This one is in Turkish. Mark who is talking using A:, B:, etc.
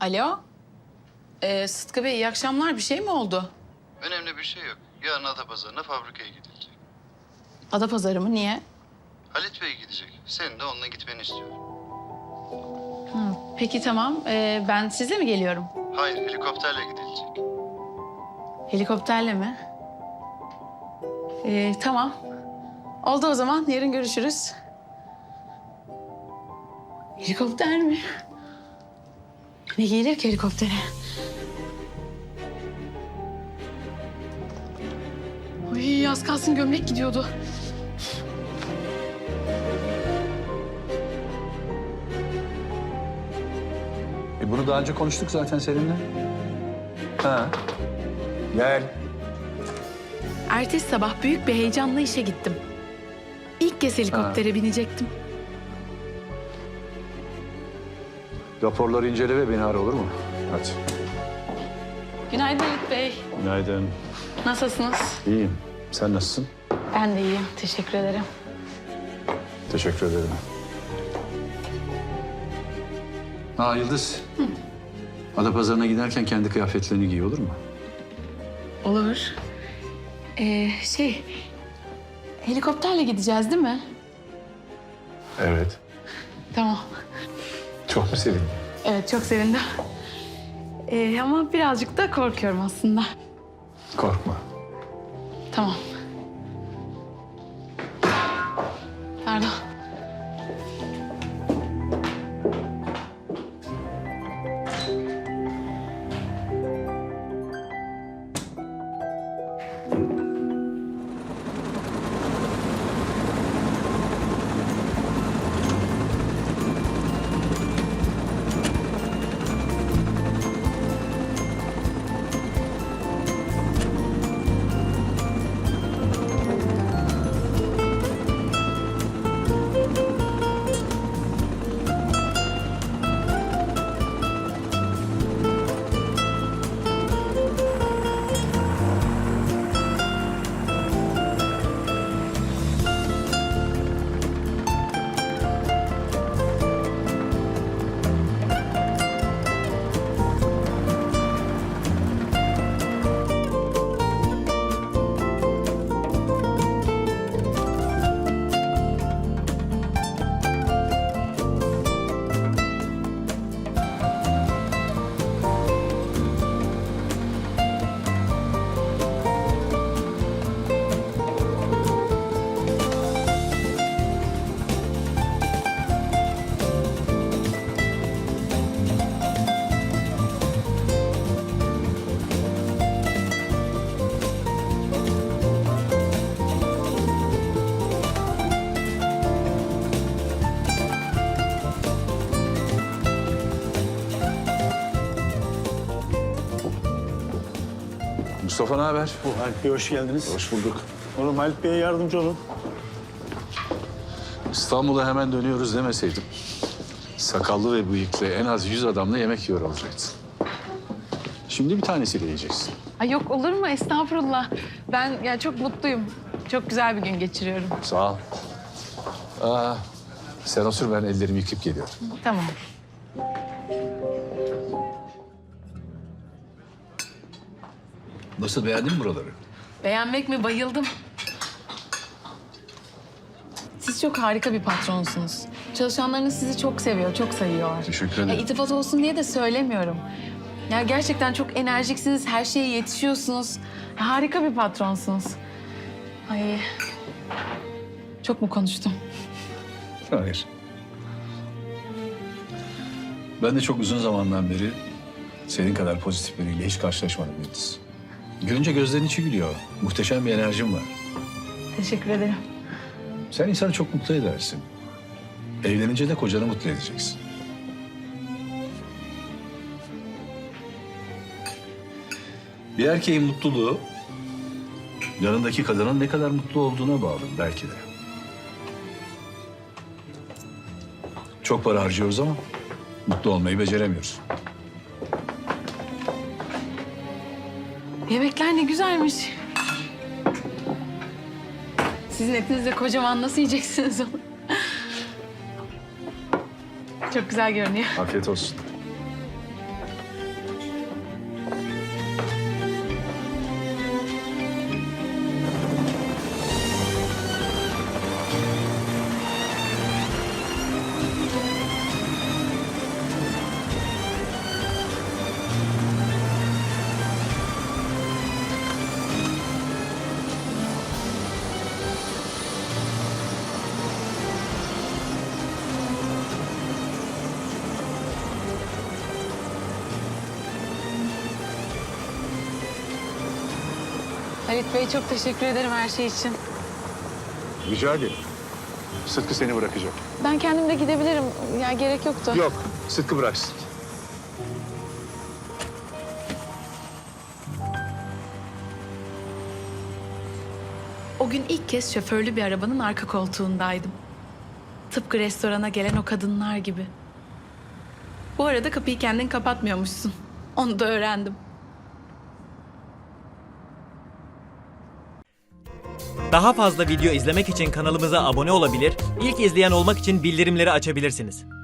A: Alo. Sıtkı Bey iyi akşamlar. Bir şey mi oldu?
B: Önemli bir şey yok. Yarın Adapazarı'na fabrikaya gidilecek.
A: Adapazarı mı? Niye?
B: Halit Bey gidecek. Senin de onunla gitmeni istiyorum.
A: Peki tamam. Ben sizle mi geliyorum?
B: Hayır, helikopterle gidilecek.
A: Helikopterle mi? Tamam. Oldu o zaman. Yarın görüşürüz. Helikopter mi? Ne gelir ki helikoptere? Ay az kalsın gömlek gidiyordu.
C: Bunu daha önce konuştuk zaten seninle. Ha. Gel.
A: Ertesi sabah büyük bir heyecanla işe gittim. İlk kez helikoptere binecektim.
C: Raporları incele ve beni ara, olur mu? Hadi.
A: Günaydın Halit Bey.
C: Günaydın.
A: Nasılsınız?
C: İyiyim. Sen nasılsın?
A: Ben de iyiyim. Teşekkür ederim.
C: Teşekkür ederim. Ha Yıldız. Adapazarı'na giderken kendi kıyafetlerini giy, olur mu?
A: Olur. Helikopterle gideceğiz değil mi?
C: Evet.
A: Tamam.
C: Çok mu sevindin?
A: Evet, çok sevindim. Ama birazcık da korkuyorum aslında.
C: Korkma.
A: Tamam. Pardon.
C: Mustafa ne haber?
D: Halit Bey hoş geldiniz.
C: Hoş bulduk.
D: Oğlum Halit Bey'e yardımcı olun.
C: İstanbul'a hemen dönüyoruz demeseydim. Sakallı ve bıyıklı en az 100 adamla yemek yiyor olacaktın. Şimdi bir tanesiyle yiyeceksin.
A: Ay yok olur mu? Estağfurullah. Ben ya çok mutluyum. Çok güzel bir gün geçiriyorum.
C: Sağ ol. Sen otur, ben ellerimi yıkayıp geliyorum.
A: Tamam.
C: Nasıl, beğendin mi buraları?
A: Beğenmek mi? Bayıldım. Siz çok harika bir patronsunuz. Çalışanlarınız sizi çok seviyor, çok sayıyor.
C: Teşekkür ederim.
A: İltifat olsun diye de söylemiyorum. Ya gerçekten çok enerjiksiniz, her şeye yetişiyorsunuz. Harika bir patronsunuz. Ay, çok mu konuştum?
C: Hayır. Ben de çok uzun zamandan beri senin kadar pozitif biriyle hiç karşılaşmadım Yıldız. Görünce gözlerin içi gülüyor. Muhteşem bir enerjin var.
A: Teşekkür ederim.
C: Sen insanı çok mutlu edersin. Evlenince de kocanı mutlu edeceksin. Bir erkeğin mutluluğu yanındaki kadının ne kadar mutlu olduğuna bağlı belki de. Çok para harcıyoruz ama mutlu olmayı beceremiyoruz.
A: Yemekler ne güzelmiş. Sizin etinizle kocaman nasıl yiyeceksiniz onu? Çok güzel görünüyor.
C: Afiyet olsun.
A: Halit Bey çok teşekkür ederim her şey için.
C: Rica ederim. Sıtkı seni bırakacak.
A: Ben kendim de gidebilirim. Ya gerek yoktu.
C: Yok, Sıtkı bıraksın.
A: O gün ilk kez şoförlü bir arabanın arka koltuğundaydım. Tıpkı restorana gelen o kadınlar gibi. Bu arada kapıyı kendin kapatmıyormuşsun. Onu da öğrendim.
E: Daha fazla video izlemek için kanalımıza abone olabilir, ilk izleyen olmak için bildirimleri açabilirsiniz.